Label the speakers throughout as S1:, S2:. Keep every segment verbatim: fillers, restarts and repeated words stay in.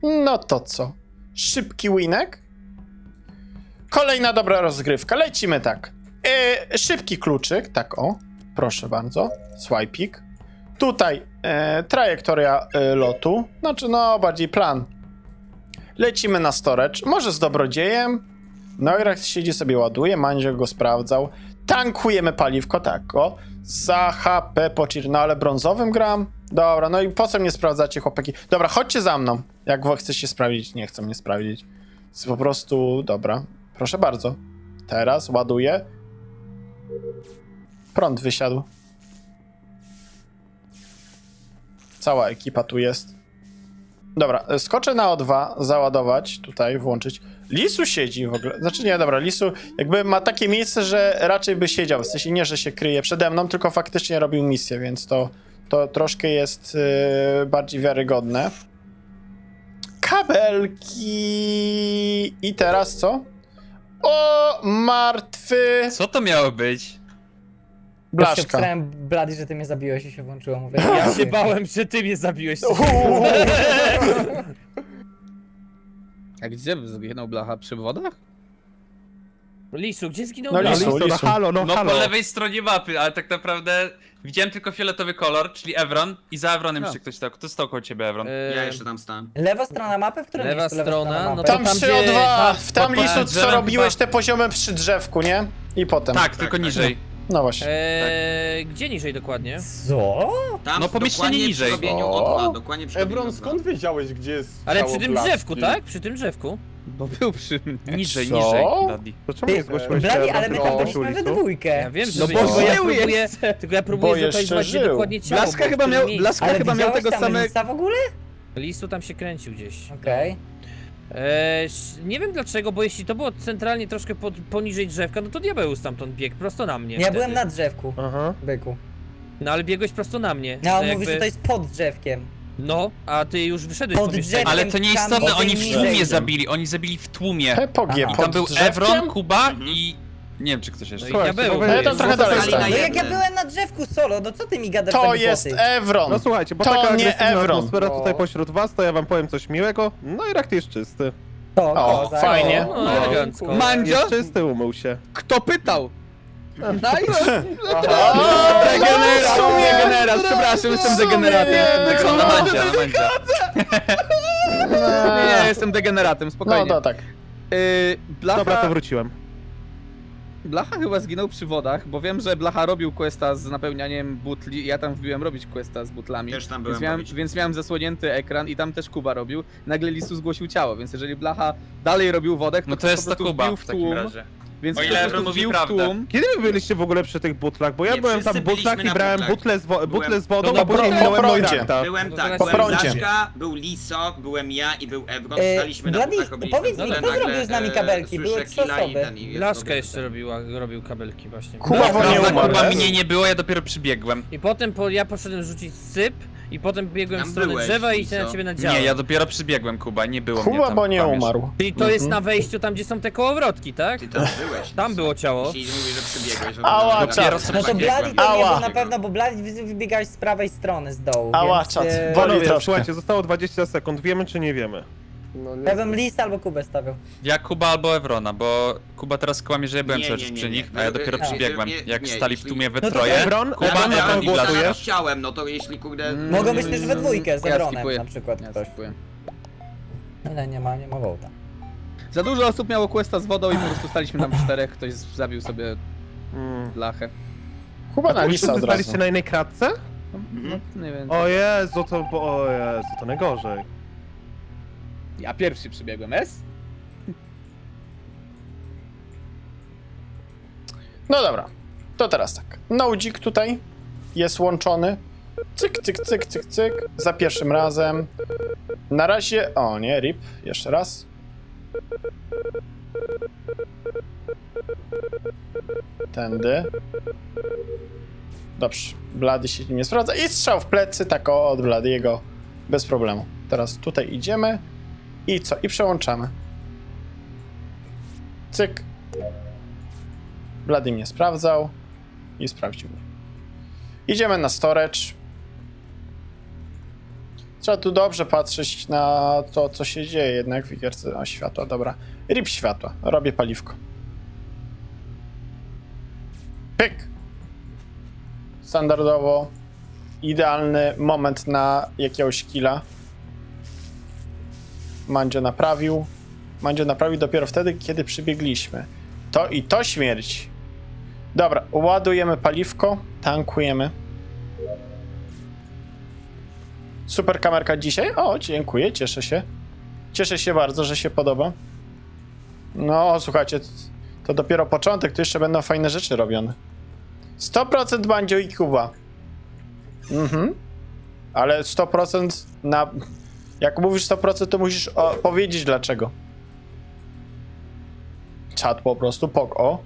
S1: No to co? Szybki winek? Kolejna dobra rozgrywka. Lecimy tak. E, szybki kluczyk, tak o. Proszę bardzo. Swipik. Tutaj e, trajektoria e, lotu. Znaczy, no, bardziej plan. Lecimy na storage. Może z dobrodziejem. Neurax siedzi sobie, ładuje. Mandzio go sprawdzał. Tankujemy paliwko, tak o. Za H P po cheer. No ale brązowym gram? Dobra, no i po co mnie sprawdzacie, chłopaki? Dobra, chodźcie za mną. Jak wy chcecie sprawdzić, nie chcą mnie sprawdzić. Jest po prostu, dobra. Proszę bardzo. Teraz ładuję. Prąd wysiadł. Cała ekipa tu jest. Dobra, skoczę na O dwa, załadować, tutaj włączyć. Lisu siedzi w ogóle, znaczy nie, dobra, Lisu jakby ma takie miejsce, że raczej by siedział, w sensie nie, że się kryje przede mną, tylko faktycznie robił misję, więc to, to troszkę jest yy, bardziej wiarygodne. Kabelki... I teraz co? O, martwy...
S2: Co to miało być?
S1: Blaszka.
S3: Obstrałem Blady, że ty mnie zabiłeś i się włączyło. Mówię,
S4: Ja się bałem, że ty mnie zabiłeś.
S1: Uuu.
S5: A gdzie zginął Blacha? Przy wodach?
S4: Lisu, gdzie zginął
S1: No,
S4: Blacha?
S1: Lisu.
S6: No halo, no,
S2: No
S6: halo.
S2: po lewej stronie mapy, ale tak naprawdę widziałem tylko fioletowy kolor, czyli Evron i za Evronem
S5: No.
S2: jeszcze ktoś stał. Kto stał koło ciebie, Evron?
S4: E,
S7: Ja jeszcze tam stałem.
S3: Lewa strona mapy? W którym
S4: Lewa
S3: miejscu lewa
S4: strona,
S3: strona
S4: no
S3: mapy?
S4: to-
S1: Tam
S4: Tam,
S1: przy
S4: gdzie-
S1: O dwa,
S4: tam
S1: w tam
S2: pod
S1: Lisu, co
S2: drzewem
S1: robiłeś
S2: chyba.
S1: te poziomy przy drzewku, nie? I potem.
S2: Tak, tylko
S7: tak,
S2: niżej.
S1: No właśnie.
S4: e, Gdzie niżej dokładnie?
S3: Co?
S7: Tam
S2: No, pomieszczenie
S7: dokładnie
S2: niżej.
S7: przy robieniu
S1: O.
S7: O dwa, dokładnie przy robieniu O
S6: Ebron,
S7: dwa.
S6: skąd wiedziałeś, gdzie jest
S4: Ale
S6: ciało
S4: przy tym
S6: Blaszki?
S4: drzewku, tak? Przy tym drzewku.
S5: Bo był przy mnie.
S2: Niżej,
S1: Co?
S2: niżej, Daddy.
S6: To czemu nie zgłosiłeś
S3: Blady,
S6: się
S3: ale my
S6: do
S3: tam
S6: zgłosił
S3: byliśmy we
S6: listu?
S3: dwójkę.
S4: Ja wiem, że
S5: No
S4: wy-
S5: bo
S4: tylko ja
S5: żył
S4: próbuję,
S5: jeszcze.
S4: tylko ja
S1: Bo
S4: próbuję
S1: jeszcze
S4: zlokalizować, gdzie
S1: żył.
S4: dokładnie ciało.
S5: Blaszka
S4: było, w
S5: chyba
S4: którym
S5: miał,
S4: miejscu.
S5: Blaszka
S3: Ale
S5: chyba miał
S3: widziałeś
S5: tego
S3: tam
S5: samego...
S3: Lisa w ogóle?
S4: Lisu tam się kręcił gdzieś.
S3: Okej.
S4: E, nie wiem dlaczego, bo jeśli to było centralnie troszkę pod, poniżej drzewka, no to diabeł stamtąd biegł prosto na mnie.
S3: Ja
S4: wtedy.
S3: byłem na drzewku,
S6: Aha.
S3: byku.
S4: No ale biegłeś prosto na mnie.
S3: No, a on
S4: To
S3: mówi,
S4: jakby-
S3: że to jest pod drzewkiem.
S4: No, a ty już wyszedłeś
S3: Pod
S4: z pomieszczenia.
S3: drzewem.
S2: Ale to nie istotne,
S3: Tam
S2: oni w
S3: niżej.
S2: tłumie zabili, oni zabili w tłumie.
S1: Pepogie
S3: Aha.
S2: I
S1: pod
S2: tam był
S1: drzewkiem?
S2: Evron, Kuba
S7: Mhm.
S2: i... Nie wiem, czy ktoś jeszcze.
S4: No i diabeł.
S6: bo
S1: No ja tam trochę dalej
S7: Zostali na
S1: stałem.
S3: No jak ja
S7: jeden.
S3: byłem na drzewku solo, no co ty mi gadasz
S1: To
S3: za
S1: jest
S3: głupoty?
S1: Evron.
S6: No słuchajcie, bo
S1: To
S6: taka
S1: nie
S6: agresywna
S1: Evron.
S6: atmosfera tutaj
S3: O.
S6: pośród was, to ja wam powiem coś miłego. No i rak jest czysty.
S3: To,
S1: O,
S3: kozak.
S1: fajnie.
S4: No, no elegancko.
S5: Mandzio?
S6: Jest czysty, umył się.
S5: Kto pytał? Nice!
S1: O,
S5: Degenerat,
S1: no, w sumie.
S5: degenerat, przepraszam, jestem degeneratem.
S2: No, na Mandzia, na Mandzia.
S5: Nie, jestem degeneratem,
S1: No
S5: spokojnie.
S1: to tak.
S5: Yy, Blacha,
S6: Dobra, to wróciłem.
S5: Blacha chyba zginął przy wodach, bo wiem, że Blacha robił questa z napełnianiem butli i ja tam wbiłem robić questa z butlami.
S7: Też tam byłem
S5: Więc miałem,
S7: robić.
S5: więc miałem zasłonięty ekran i tam też Kuba robił. Nagle Lisu zgłosił ciało, więc jeżeli Blacha dalej robił wodę, to
S2: No to
S5: ktoś
S2: jest
S5: po
S2: to
S5: prostu
S2: Kuba
S5: wbił
S2: w takim
S5: tłum,
S2: razie.
S5: Więc
S2: O ile
S5: ktoś po
S2: Evron
S5: prostu
S2: mówi
S5: wbił w
S2: prawdę.
S5: tłum.
S6: Kiedy wy byliście w ogóle przy tych butlach? Bo ja
S7: Nie,
S6: byłem
S7: wszyscy
S6: tam w butlach
S7: byliśmy
S6: i
S7: na
S6: brałem
S7: butlach.
S6: butle z, wo butle
S7: Byłem-
S6: z wodą,
S4: No
S6: a
S4: dobra,
S6: później
S1: po
S6: minąłem
S1: prądzie.
S6: Noirakta.
S7: Byłem
S4: No to
S7: tak,
S4: teraz
S1: po
S7: byłem
S1: prądzie.
S7: Blaszka, był Liso, byłem ja i był Evron,
S3: E,
S7: staliśmy na
S3: Blady,
S7: butlach, robiliśmy
S3: powiedz mi,
S7: butle,
S3: kto
S7: nagle,
S3: zrobił z nami
S7: e,
S3: kabelki? Były
S7: słyszę
S3: trzy
S7: killa i
S3: osoby.
S7: ten, i jest
S4: Blaszka
S7: robię
S4: jeszcze
S7: ten.
S4: robiła, robił kabelki właśnie.
S1: Kuba, bo nie
S2: Prawda,
S1: umarł.
S2: Kuba mnie nie było, ja dopiero przybiegłem.
S4: I potem po, ja poszedłem rzucić syp i potem biegłem
S7: Tam
S4: w stronę
S7: byłeś,
S4: drzewa i
S7: Liso.
S4: się na ciebie nadziałem.
S2: Nie, ja dopiero przybiegłem, Kuba, nie było mnie
S1: Kuba,
S2: tam.
S1: bo nie
S2: kłamiesz.
S1: umarł.
S4: Czyli to jest
S1: Mhm.
S4: na wejściu tam, gdzie są te kołowrotki, tak?
S7: Ty tam byłeś.
S4: Tam było ciało.
S7: Jeśli mówisz, że przybiegłeś. że
S1: Ała,
S7: to
S1: czad.
S7: dopiero
S3: No to
S7: sobie
S3: Blady
S7: biegłem.
S3: to nie
S1: Ała.
S3: był na pewno, bo Blady wy- wybiegałeś z prawej strony z dołu,
S1: Ała,
S3: więc...
S1: czad.
S3: e,
S1: Boli
S6: Panowie,
S1: troszkę.
S6: słuchajcie, zostało dwadzieścia sekund. Wiemy czy nie wiemy?
S8: No nie
S3: Ja bym Lisa albo Kubę stawiał.
S2: Ja Kuba albo Evrona, bo Kuba teraz kłamie, że ja byłem
S7: Nie,
S2: cały
S7: nie,
S2: czas
S7: nie,
S2: przy
S7: nie.
S2: nich, a ja dopiero
S7: Nie,
S2: przybiegłem.
S7: nie,
S2: Jak
S7: nie,
S2: stali w
S7: jeśli-
S2: tłumie we
S3: No to
S2: troje.
S6: Ebron,
S2: Kuba,
S6: Ebron, na
S2: Evron
S6: kogo
S2: i Blaszka.
S6: głosujesz?
S7: Chciałem, no to jeśli kurde...
S5: Mm,
S3: Mogą
S5: nie,
S3: być
S5: nie,
S3: też
S5: nie,
S3: we dwójkę z
S5: ja
S3: Ebronem
S5: skipuję.
S3: na przykład
S5: Ja
S3: ktoś.
S5: skipuję.
S3: Ale nie ma, nie ma wołta.
S5: Za dużo osób miało questa z wodą i po prostu staliśmy tam czterech, ktoś zabił sobie
S6: Mm.
S5: Blachę.
S1: Kuba na
S6: Wy
S1: lisa od razu.
S6: staliście na innej kratce?
S5: No, nie wiem.
S6: O Jezu, to... bo- O Jezu, to najgorzej.
S5: Ja pierwszy przybiegłem, S?
S1: No dobra, to teraz tak. Nodzik tutaj jest łączony. Cyk, cyk, cyk, cyk, cyk. Za pierwszym razem. Na razie... O nie, rip. Jeszcze raz. Tędy. Dobrze. Blady się nie sprawdza. I strzał w plecy, tak o, od Bladiego. Bez problemu. Teraz tutaj idziemy. I co? I przełączamy. Cyk. Blady mnie sprawdzał. I sprawdził mnie. Idziemy na storage. Trzeba tu dobrze patrzeć na to, co się dzieje jednak w gierce. O, światła, dobra. Rip światła. Robię paliwko. Pyk. Standardowo. Idealny moment na jakiegoś killa. Mandzio naprawił. Mandzio naprawił dopiero wtedy, kiedy przybiegliśmy. To i to śmierć. Dobra, ładujemy paliwko, tankujemy. Super kamerka dzisiaj. O, dziękuję, cieszę się. Cieszę się bardzo, że się podoba. No, słuchajcie, to dopiero początek, tu jeszcze będą fajne rzeczy robione. sto procent Mandzio i Kuba. Mhm. Ale sto procent na... Jak mówisz sto procent, to musisz o, powiedzieć dlaczego. Czat po prostu, pok, o.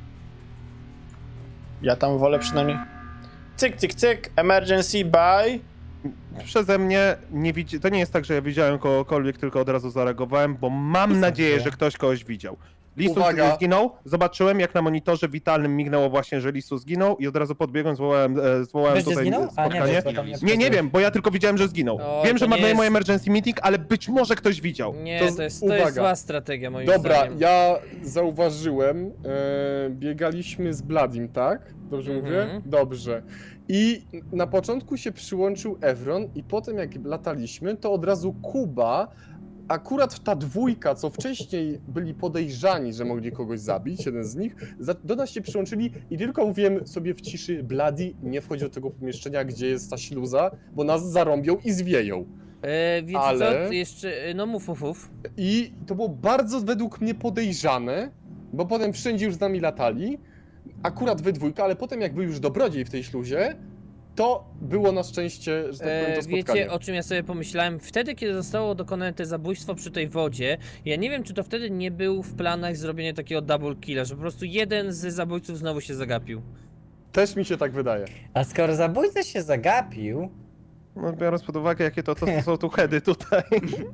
S1: Ja tam wolę przynajmniej... Cyk, cyk, cyk, emergency, bye.
S6: Przeze mnie nie widzi... To nie jest tak, że ja widziałem kogokolwiek, tylko od razu zareagowałem, bo mam nadzieję, że ktoś kogoś widział. Lisus
S8: Uwaga.
S6: zginął, zobaczyłem jak na monitorze witalnym mignęło właśnie, że Lisus zginął i od razu podbiegłem, zwołałem, e, zwołałem
S3: Wiesz, gdzie
S6: tutaj
S3: zginął? A nie,
S6: spotkanie.
S3: wiesz, bo tam
S6: Nie, nie wiem, bo ja tylko widziałem, że zginął.
S4: O,
S6: wiem,
S4: to
S6: że ma
S4: nie jest-
S6: moje emergency meeting, ale być może ktoś widział.
S4: Nie,
S8: To z-
S4: to jest, to jest
S8: uwaga.
S4: zła strategia moim
S8: Dobra,
S4: zdaniem.
S8: ja zauważyłem, e, biegaliśmy z Bladim, tak? Dobrze
S4: Mhm.
S8: mówię? Dobrze. I na początku się przyłączył Evron i potem jak lataliśmy, to od razu Kuba, akurat ta dwójka, co wcześniej byli podejrzani, że mogli kogoś zabić, jeden z nich, za- do nas się przyłączyli i tylko mówiłem sobie w ciszy, Bladi, nie wchodź do tego pomieszczenia, gdzie jest ta śluza, bo nas zarąbią i zwieją.
S4: E, więc
S8: Ale-
S4: co, jeszcze, e, no mów, mów, mów.
S8: I to było bardzo według mnie podejrzane, bo potem wszędzie już z nami latali, akurat we dwójkę, ale potem jak był już dobrodziej w tej śluzie, to było na szczęście, że tak powiem, to
S4: E,
S8: spotkanie.
S4: wiecie, o czym ja sobie pomyślałem? Wtedy, kiedy zostało dokonane te zabójstwo przy tej wodzie, ja nie wiem, czy to wtedy nie był w planach zrobienie takiego double killa, że po prostu jeden z zabójców znowu się zagapił.
S8: Też mi się tak wydaje.
S3: A skoro zabójca się zagapił,
S6: No, biorąc pod uwagę, jakie to, to, to są tu heady tutaj.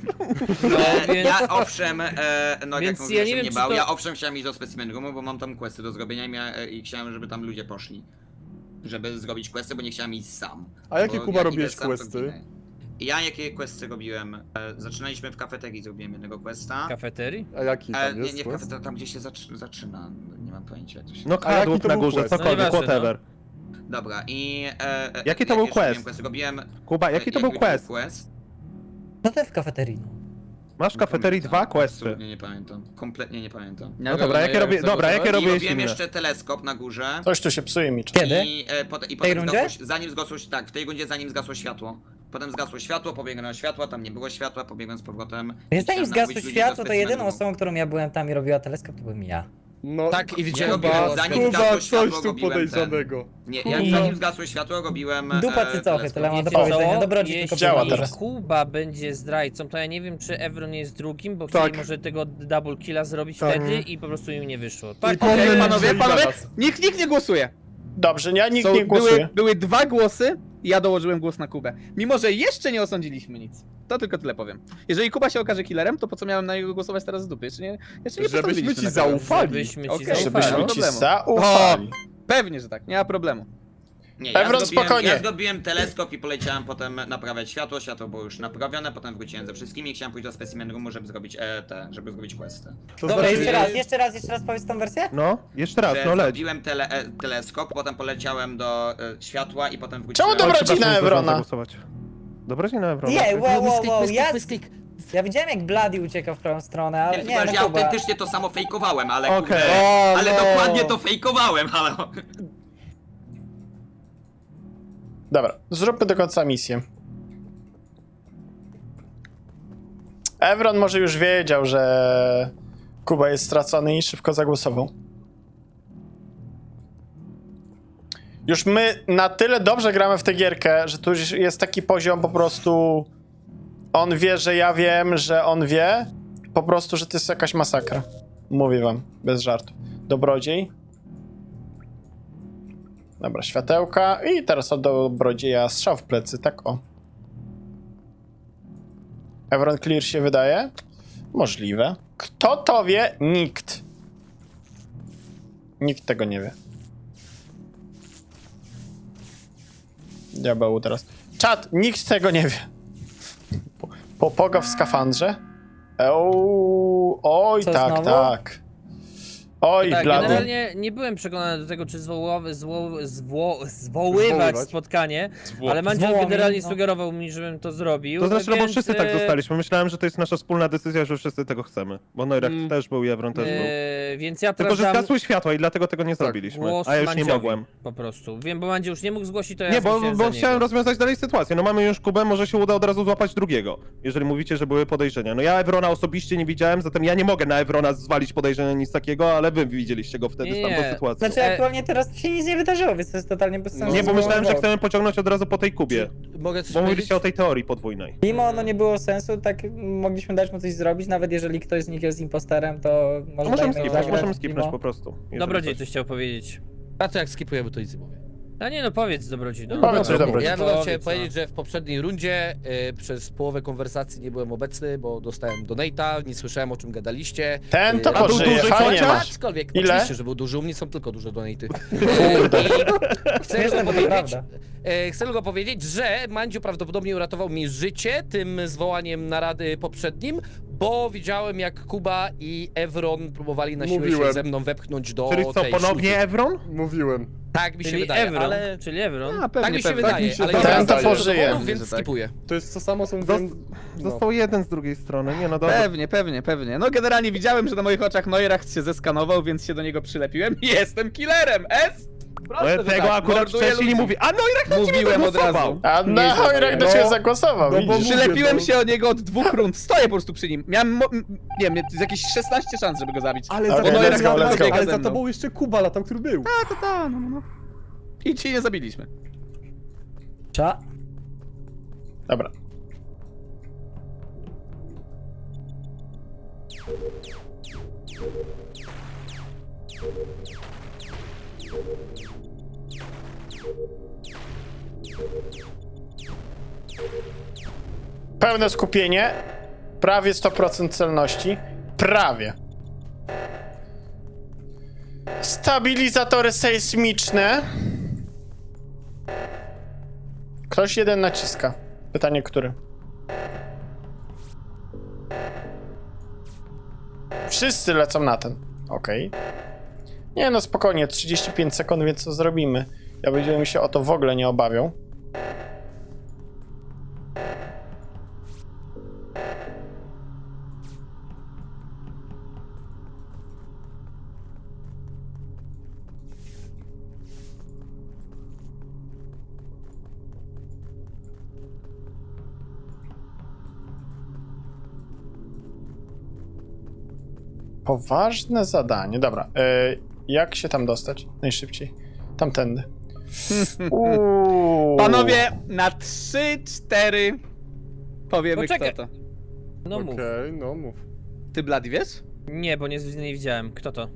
S4: No,
S7: E,
S4: więc...
S7: Ja owszem, e, no
S4: Więc
S7: jak mówię,
S4: ja
S7: ja
S4: nie wiem,
S7: nie
S4: czy
S7: bał,
S4: to-
S7: ja owszem chciałem iść do specimen roomu, bo mam tam questy do zrobienia i, mia, i chciałem, żeby tam ludzie poszli. Żeby zrobić questy, bo nie chciałem iść sam.
S8: A jakie,
S7: Bo
S8: Kuba,
S7: jak
S8: robiłeś
S7: idę sam, to
S8: questy?
S7: ginę. Ja jakie questy robiłem? E, zaczynaliśmy w kafeterii, zrobiłem jednego questa.
S4: Kafeterii?
S8: A jaki
S7: E,
S8: tam
S7: nie,
S8: jest
S7: nie w
S8: quest?
S7: kafeterii, tam gdzie się zaczy, zaczyna. Nie mam pojęcia jak to się
S6: No
S8: A jaki
S6: kadłub
S8: to
S6: na
S8: był
S6: górze,
S8: quest?
S6: cokolwiek,
S4: No nieważne,
S6: whatever.
S7: Dobra, i... E, e,
S6: Jaki to był
S7: jeszcze robiłem
S6: quest?
S7: questy? Robiłem...
S6: Kuba, jaki to
S7: e,
S6: był
S7: był
S6: quest?
S7: quest?
S3: no to w kafeterii. No.
S6: Masz w
S7: Nie
S6: kafeterii
S7: pamiętam,
S6: dwa questy.
S7: Absolutnie nie pamiętam. Kompletnie nie pamiętam.
S6: No dobra, jakie robię, dobra, jakie
S7: I
S6: robiłeś
S7: robiłem
S6: inne?
S7: jeszcze teleskop na górze.
S1: Coś tu się psuje mi. czas.
S3: Kiedy?
S7: I, e, pot, i
S3: tej
S7: potem
S3: rundzie?
S7: zgasło, zanim zgasło, tak, w tej rundzie zanim zgasło światło. Potem zgasło światło, pobiegłem na światło, tam nie było światła, pobiegłem z powrotem.
S3: Więc
S7: i
S3: zanim
S7: chciałem
S3: zgasło
S7: namówić ludzi
S3: światło,
S7: do
S3: to jedyną
S7: specimenu.
S3: osobą, którą ja byłem tam i robiła teleskop, to byłem ja.
S8: No,
S5: Tak, i
S7: Ja
S5: widziałem
S7: robiłem,
S8: Kuba,
S7: zanim
S8: Kuba,
S7: zgasło
S8: coś
S7: światło,
S8: tu
S7: robiłem ten.
S8: podejrzanego.
S7: Nie, jak
S3: Kuba.
S7: zanim zgasło światło, robiłem.
S3: Dupa
S7: e,
S3: cycochy,
S7: teleskop.
S3: tyle mam do
S4: Wiecie
S3: powiedzenia.
S4: co?
S3: Dobrodziej
S4: Jeśli
S3: tylko
S1: Działa
S3: powiedział.
S1: teraz.
S4: Kuba będzie zdrajcą, to ja nie wiem, czy Evron jest drugim, bo
S8: Tak.
S4: chcieli może tego double killa zrobić
S8: Tak.
S4: wtedy i po prostu im nie wyszło.
S8: I
S4: Tak,
S8: powinien
S5: Okej,
S8: być
S5: panowie,
S8: dzieli
S5: panowie,
S8: na nas.
S5: nikt, nikt nie głosuje.
S1: Dobrze, ja nikt
S5: Są,
S1: nie głosuje.
S5: były, były dwa głosy i ja dołożyłem głos na Kubę. Mimo, że jeszcze nie osądziliśmy nic. To tylko tyle powiem. Jeżeli Kuba się okaże killerem, to po co miałem na niego głosować teraz z dupy? Jeszcze nie, jeszcze nie
S8: Żebyśmy
S5: postawiliśmy
S8: ci
S5: na kogo.
S8: zaufali.
S4: żebyśmy ci
S5: Okej,
S4: zaufali.
S1: Żebyśmy
S5: nie ma
S1: ci
S5: problemu.
S1: zaufali.
S5: Pewnie, że tak, nie ma problemu.
S7: Nie, ja
S1: Evron,
S7: zrobiłem,
S1: spokojnie.
S7: ja zrobiłem teleskop i poleciałem potem naprawiać światło, światło było już naprawione, potem wróciłem ze wszystkimi i chciałem pójść do specimen roomu, żeby zrobić e, te, żeby zrobić questy.
S8: To
S3: Dobra,
S8: znaczy,
S3: jeszcze raz, jeszcze raz, jeszcze raz powiedz tą wersję?
S6: No, jeszcze raz,
S7: Że
S6: no leć.
S7: zrobiłem tele, e, teleskop, potem poleciałem do e, światła i potem wróciłem.
S1: Czemu dobra- Dobrodzina
S6: Przepraszam,
S1: Evrona.
S6: zagłosować. Dobrodzina Evrona.
S3: Nie,
S6: tak?
S3: wow, wow, wow, ja... Ja widziałem jak Bloody uciekał w prawą stronę, ale
S7: Nie,
S3: nie,
S7: chyba, że
S3: no
S7: ja
S3: Kuba.
S7: autentycznie to samo fejkowałem, ale
S6: Okej.
S7: kurde,
S8: O,
S7: ale
S8: no.
S7: dokładnie to fejkowałem, ale...
S1: Dobra, zróbmy do końca misję. Evron może już wiedział, że Kuba jest stracony i szybko zagłosował. Już my na tyle dobrze gramy w tę gierkę, że tu już jest taki poziom po prostu... On wie, że ja wiem, że on wie. Po prostu, że to jest jakaś masakra. Mówię wam, bez żartów. Dobrodziej. Dobra, światełka i teraz od dobrodzieja strzał w plecy, tak o. Evron Clear się wydaje? Możliwe. Kto to wie? Nikt. Nikt tego nie wie. Diabeł teraz. Czat, nikt tego nie wie. Popoga w skafandrze? Euu, oj,
S3: Co,
S1: tak,
S3: znowu?
S1: tak. Oj,
S4: Tak,
S1: blady.
S4: generalnie nie byłem przekonany do tego, czy zwołowy, zwo, zwo, zwoływać
S8: Zwoływać.
S4: spotkanie, ale Mandzio
S3: Zwołamy,
S4: generalnie
S3: no.
S4: sugerował mi, żebym to zrobił.
S6: To znaczy, no bo
S4: więc,
S6: wszyscy tak
S4: e,
S6: zostaliśmy. Myślałem, że to jest nasza wspólna decyzja, że wszyscy tego chcemy. Bo Neurach
S5: Mm.
S6: też był i Evron też był.
S4: e, Więc ja
S6: Tylko, że
S4: sprawdzam
S6: zgasły światła i dlatego tego nie zrobiliśmy.
S4: głos
S6: A ja już nie
S4: Mandziowi
S6: mogłem.
S4: po prostu. Wiem, bo Mandzio już nie mógł zgłosić, to ja
S6: Nie, bo,
S4: zgłosiłem
S6: bo
S4: za
S6: chciałem
S4: niego.
S6: rozwiązać dalej sytuację. No mamy już Kubę, może się uda od razu złapać drugiego. Jeżeli mówicie, że były podejrzenia. No ja Evrona osobiście nie widziałem, zatem ja nie mogę na Evrona zwalić podejrzenia nic takiego, ale wy widzieliście go wtedy
S4: Nie,
S6: z tamtą
S4: nie.
S6: sytuacją.
S3: Znaczy
S4: E-
S3: aktualnie teraz się nic nie wydarzyło, więc to jest totalnie bez sensu.
S6: Nie, bo myślałem, że
S3: Bo-
S6: chcemy pociągnąć od razu po tej Kubie.
S9: Mogę coś
S6: Bo
S9: powiedzieć?
S6: mówiliście o tej teorii podwójnej.
S3: Mimo ono nie było sensu, tak mogliśmy dać mu coś zrobić, nawet jeżeli ktoś z nich jest imposterem, to może
S6: No możemy
S3: dajmy
S6: skipnąć,
S3: zagrać
S6: możemy skipnąć
S3: mimo.
S6: po prostu. jeżeli
S4: Dobrodziej
S6: coś.
S4: coś chciał powiedzieć.
S9: A to jak skipujemy, to nic nie mówię.
S4: A nie no, powiedz Dobrodziej. No,
S1: Powiedz coś,
S4: dobra,
S1: Dobrodziej.
S9: Ja tylko
S4: powiedz,
S9: chciałem
S4: no.
S9: powiedzieć, że w poprzedniej rundzie y, przez połowę konwersacji nie byłem obecny, bo dostałem donate'a, nie słyszałem o czym gadaliście.
S1: Ten to
S9: Y, a był
S1: pożyje,
S9: duży
S1: fajnie
S9: chociaż,
S1: masz.
S9: Aczkolwiek,
S1: Ile?
S9: oczywiście, że był duży, u mnie są tylko duże donate'y. Y, i chcę
S3: Śmieszne,
S9: tylko
S3: bo to
S9: powiedzieć,
S3: prawda.
S9: e, chcę tylko powiedzieć, że Mandziu prawdopodobnie uratował mi życie tym zwołaniem narady poprzednim, bo widziałem jak Kuba i Evron próbowali na siłę się
S8: Mówiłem.
S9: ze mną wepchnąć do
S6: Czyli co,
S9: tej
S6: ponownie
S9: śluzy.
S6: Evron?
S8: Mówiłem.
S9: Tak mi się
S4: Czyli
S9: wydaje,
S4: Evron,
S9: ale...
S4: czyli Evron.
S6: A, pewnie,
S9: Tak mi się
S6: pewnie.
S9: wydaje,
S8: mi się
S9: ale
S8: wydaje.
S9: nie mam
S1: Ten to
S9: żadnych
S1: pożyje.
S9: dowodów, więc
S5: Że tak.
S9: skipuję.
S8: To jest to samo, co
S6: Zos-
S8: mówiłem... No.
S6: Został jeden z drugiej strony. Nie no dobra.
S5: Pewnie, pewnie, pewnie. No generalnie widziałem, że na moich oczach Neuracht się zeskanował, więc się do niego przylepiłem i jestem killerem! S! Proste,
S6: Ale
S5: że
S6: tego
S5: tak,
S6: akurat
S5: morduję
S6: wcześniej nie
S5: ludzi.
S6: mówi. A Neurach na ciebie
S5: Mówiłem od
S6: zagłosował.
S5: razu.
S1: A na Hojrak do
S8: No,
S1: ciebie zagłosował,
S8: no bo
S1: widzisz?
S8: mówię,
S5: Przylepiłem
S8: no.
S5: się od niego od dwóch rund. Stoję po prostu przy nim. Miałem, mo- m- nie wiem, z jakieś szesnaście szans, żeby go zabić.
S8: Ale
S1: Okej,
S8: za,
S1: let's
S8: Neurach
S1: go, let's
S8: biega
S1: go.
S8: ale
S5: ze
S8: za
S5: mną.
S8: tobą jeszcze Kuba latał, który był.
S5: Ta, ta, no, no, no. I ci nie zabiliśmy.
S3: Cza.
S1: Dobra. Pełne skupienie. Prawie sto procent celności. Prawie. Stabilizatory sejsmiczne. Ktoś jeden naciska. Pytanie, który? Wszyscy lecą na ten. Okej. Nie no, spokojnie, trzydzieści pięć sekund, więc co zrobimy? Ja będziemy się o to w ogóle nie obawiał. Poważne zadanie. Dobra, e, jak się tam dostać najszybciej? Tamtędy. Uuu.
S5: Panowie, na trzy, cztery powiemy
S4: Poczekaj.
S5: kto to.
S4: No mów.
S8: Okej, no mów.
S5: Ty, Blady, wiesz?
S4: Nie, bo nie, nie widziałem. Kto to?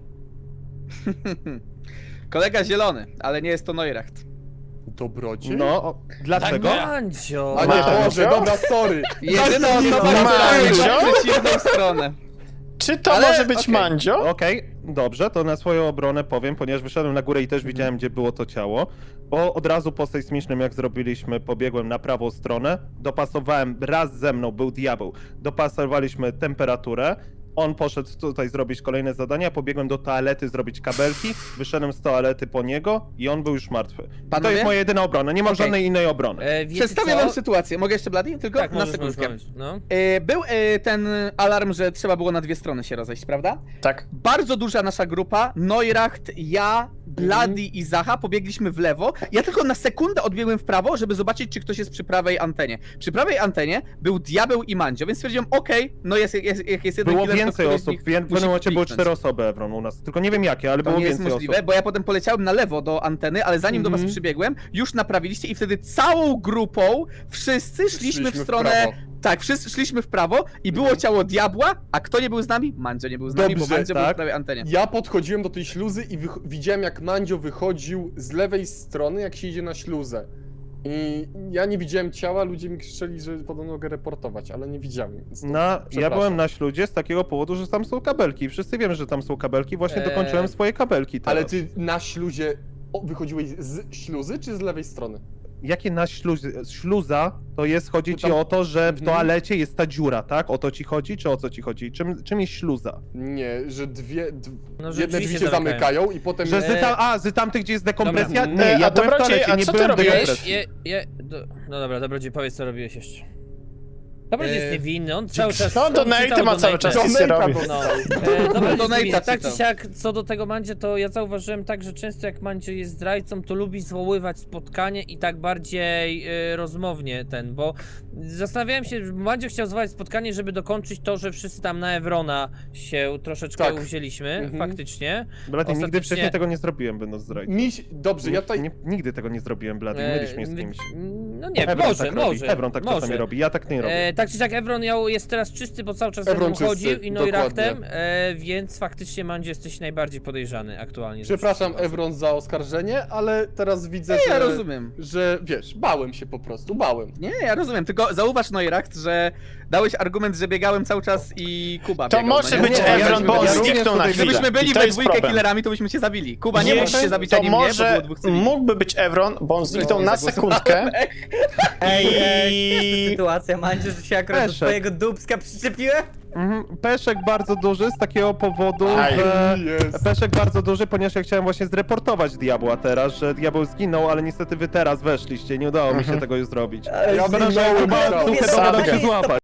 S5: Kolega zielony, ale nie jest to Neuracht.
S8: Dobrodziej?
S6: No, o, dlaczego?
S9: Tak,
S4: Mandzio!
S8: A nie,
S1: Mandzio?
S8: Boże, dobra, sorry.
S5: Jedyna
S8: Mandzio?
S5: osoba, która
S1: Mandzio?
S5: ma przeciwną stronę.
S1: Czy to
S5: Ale-
S1: może być
S5: okej.
S1: Mandzio?
S6: Okej, dobrze, to na swoją obronę powiem, ponieważ wyszedłem na górę i też widziałem, gdzie było to ciało. Bo od razu po sejsmicznym, jak zrobiliśmy, pobiegłem na prawą stronę, dopasowałem, raz ze mną był diabeł, dopasowaliśmy temperaturę, on poszedł tutaj zrobić kolejne zadania, pobiegłem do toalety zrobić kabelki, wyszedłem z toalety po niego i on był już martwy. I to
S5: Panowie?
S6: jest moja jedyna obrona, nie mam
S5: Okej.
S6: żadnej innej obrony.
S4: E, wiecie
S5: Przedstawię
S4: co?
S5: wam sytuację. Mogę jeszcze, Blady? Tylko
S4: Tak,
S5: na
S4: możesz,
S5: sekundkę.
S4: możesz, możesz, no.
S5: E, Był e, ten alarm, że trzeba było na dwie strony się rozejść, prawda?
S1: Tak.
S5: Bardzo duża nasza grupa, Neuracht, ja, Blady i Zacha pobiegliśmy w lewo. Ja tylko na sekundę odbiegłem w prawo, żeby zobaczyć, czy ktoś jest przy prawej antenie. Przy prawej antenie był Diabeł i Mandzio, więc stwierdziłem, okej, no jest, jest, jak jest jeden
S6: Było
S5: killer, to
S6: więcej
S5: któryś z
S6: osób,
S5: nich
S6: w pewnym
S5: musi
S6: momencie były
S5: kliknąć.
S6: cztery osoby, Evron, u nas. Tylko nie wiem jakie, ale
S5: To
S6: było
S5: nie jest
S6: więcej
S5: możliwe,
S6: osób.
S5: bo ja potem poleciałem na lewo do anteny, ale zanim do
S8: Mhm.
S5: was przybiegłem, już naprawiliście i wtedy całą grupą wszyscy szliśmy, w stronę...
S8: prawo.
S5: Tak, wszyscy szliśmy w prawo i było ciało diabła, a kto nie był z nami? Mandzio nie był z nami, bo
S8: Dobrze,
S5: Mandzio był
S6: tak.
S5: w prawej antenie.
S8: Ja podchodziłem do tej śluzy i wych- widziałem, jak Mandzio wychodził z lewej strony, jak się idzie na śluzę. I ja nie widziałem ciała, ludzie mi krzyczeli, że podobno mogę reportować, ale nie widziałem. Więc to
S6: Na, ja
S8: przepraszam.
S6: byłem na śludzie z takiego powodu, że tam są kabelki. Wszyscy wiemy, że tam są kabelki, właśnie
S4: Eee.
S6: dokończyłem swoje kabelki teraz.
S8: Ale ty na śluzie o, wychodziłeś z śluzy, czy z lewej strony?
S6: jakie na śluz, śluza to jest, chodzi
S8: To
S6: ci
S8: tam-
S6: o to, że w
S8: Mhm.
S6: toalecie jest ta dziura, tak? O to ci chodzi, czy o co ci chodzi? Czym, czym jest śluza?
S8: Nie, że dwie, d...
S4: No, że
S8: jedne
S4: drzwi
S8: drzwi
S4: się
S8: się zamykają i potem...
S6: Że
S8: jest-
S6: z tam, a, z tamtych, gdzie jest dekompresja?
S4: Dobra.
S6: Nie,
S1: E,
S6: ja
S1: a
S6: byłem w
S1: Dobrodziej,
S6: toalecie,
S1: a
S6: nie
S1: co ty
S6: byłem w
S1: robiłeś?
S6: dekompresji.
S4: Je, je, do, no dobra, Dobrodziej, powiedz co robiłeś jeszcze. Dobrodziej
S9: Eee,
S4: jest niewinny, on cały czas...
S1: No,
S4: on
S1: donaty
S4: czytał
S1: ma cały
S4: donaty.
S1: czas, nic nie robi.
S4: No, e, dobra,
S5: Donate'a
S4: jest tak czy
S5: czytał.
S4: siak, co do tego Mandzie, to ja zauważyłem tak, że często jak Mandzie jest zdrajcą, to lubi zwoływać spotkanie i tak bardziej e, rozmownie ten, bo zastanawiałem się, że Mandzie chciał zwołać spotkanie, żeby dokończyć to, że wszyscy tam na Evrona się troszeczkę
S8: Tak.
S4: uwzięliśmy,
S8: Mhm.
S4: faktycznie.
S6: Blady, nigdy
S4: Ostatecznie-
S6: wcześniej tego nie zrobiłem, będąc zdrajcą.
S8: Miś... Dobrze, ja tutaj...
S6: Nie, nigdy tego nie zrobiłem, Blady,
S4: E,
S6: mylisz mnie z
S4: wy-
S6: kimś.
S4: No nie,
S6: Evron
S4: może,
S6: tak
S4: może.
S6: robi. Evron tak
S4: może.
S6: czasami robi, ja tak nie robię.
S4: E, tak czy siak Evron miał, jest teraz czysty, bo cały czas
S8: Evron
S4: Evron
S8: czysty,
S4: chodził i Neurachtem,
S8: dokładnie.
S4: e, więc faktycznie Mandzie jesteś najbardziej podejrzany aktualnie. ze
S8: Przepraszam,
S4: wszystkich
S8: Evron, za oskarżenie, ale teraz widzę,
S5: Nie,
S8: że...
S5: ja rozumiem.
S8: Że, wiesz, bałem się po prostu, bałem.
S5: Nie, ja rozumiem, tylko zauważ Neuracht, że dałeś argument, że biegałem cały czas i Kuba
S1: To
S5: biegał,
S1: może
S5: no nie?
S1: być
S5: Nie, ja
S1: Evron, bo on
S6: ja również
S1: zniknął na
S6: tutaj-
S1: chwilę.
S5: Gdybyśmy byli
S1: I to
S5: we
S1: jest
S5: dwójkę
S1: problem.
S5: killerami, to byśmy się zabili. Kuba nie mógł się
S1: Jeśli-
S5: zabić
S1: to
S5: ani mnie, bo
S1: może
S5: było dwóch cywili.
S1: mógłby być Evron, bo on zniknął
S5: nie
S1: na
S5: zagłosowałem.
S1: sekundkę.
S3: Ej, ej,
S1: I-
S3: sytuacja, Mandziu, że się akurat do
S6: Peszek.
S3: twojego dubska przyczepiłem?
S6: Mhm. Peszek bardzo duży z takiego powodu,
S1: Aj.
S6: że...
S8: Jest.
S6: Peszek bardzo duży, ponieważ ja chciałem właśnie zreportować Diabła teraz, że Diabeł zginął, ale niestety wy teraz weszliście, nie udało mi się tego już zrobić.
S8: Ja
S6: Szkoda, że
S8: zginąłem,
S6: chyba
S8: Michał.
S6: duchy
S1: Saga.
S6: dogadał się złapać.